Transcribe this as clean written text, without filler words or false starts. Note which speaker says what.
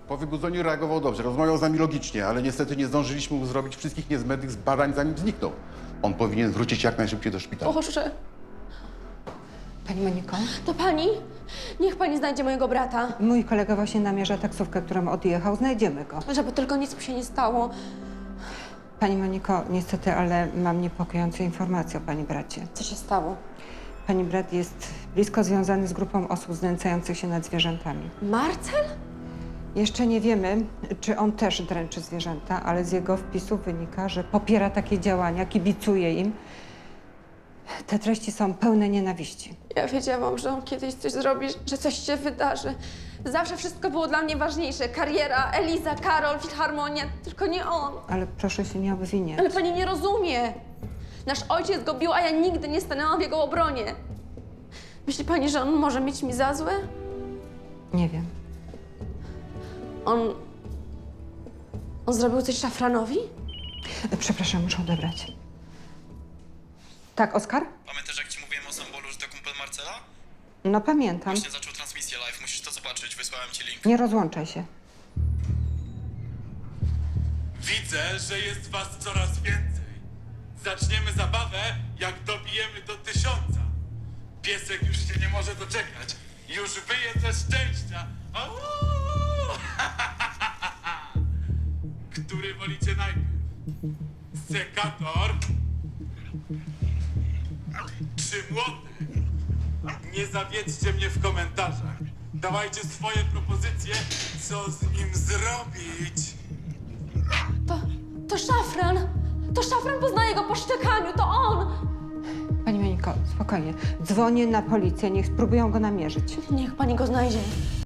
Speaker 1: Po wybudzeniu reagował dobrze, rozmawiał z nami logicznie, ale niestety nie zdążyliśmy mu zrobić wszystkich niezbędnych badań, zanim zniknął. On powinien wrócić jak najszybciej do szpitala.
Speaker 2: Boże,
Speaker 3: Pani Moniko,
Speaker 2: to pani? Niech pani znajdzie mojego brata.
Speaker 3: mój kolega właśnie namierza taksówkę, którą odjechał. Znajdziemy go.
Speaker 2: Żeby tylko nic mu się nie stało.
Speaker 3: Pani Moniko, niestety, ale mam niepokojące informacje o pani bracie.
Speaker 2: Co się stało?
Speaker 3: Pani brat jest blisko związany z grupą osób znęcających się nad zwierzętami.
Speaker 2: Marcel?
Speaker 3: Jeszcze nie wiemy, czy on też dręczy zwierzęta, ale z jego wpisów wynika, że popiera takie działania, kibicuje im. Te treści są pełne nienawiści.
Speaker 2: Ja wiedziałam, że on kiedyś coś zrobi, że coś się wydarzy. Zawsze wszystko było dla mnie ważniejsze. Kariera, Eliza, Karol, filharmonia, tylko nie on.
Speaker 3: Ale proszę się nie obwiniać.
Speaker 2: Ale pani nie rozumie. Nasz ojciec go bił, a ja nigdy nie stanęłam w jego obronie. Myśli pani, że on może mieć mi za złe?
Speaker 3: Nie wiem.
Speaker 2: On zrobił coś Szafranowi?
Speaker 3: Przepraszam, muszę odebrać. Tak, Oskar?
Speaker 4: Pamiętasz, jak ci mówiłem o Sambolu, że to kumpel Marcela?
Speaker 3: No pamiętam.
Speaker 4: Właśnie zaczął transmisję live, musisz to zobaczyć, wysłałem ci link.
Speaker 3: Nie rozłączaj się.
Speaker 5: Widzę, że jest was coraz więcej. Zaczniemy zabawę, jak dobijemy do 1000. Piesek już się nie może doczekać. Już wyje ze szczęścia. Au! Który wolicie najpierw? Sekator czy młotek? Nie zawiedźcie mnie w komentarzach. Dawajcie swoje propozycje, co z nim zrobić.
Speaker 2: To Szafran! To Szafran, poznaje go po szczekaniu, to on!
Speaker 3: Pani Moniko, spokojnie. Dzwonię na policję, niech spróbują go namierzyć.
Speaker 2: Niech pani go znajdzie.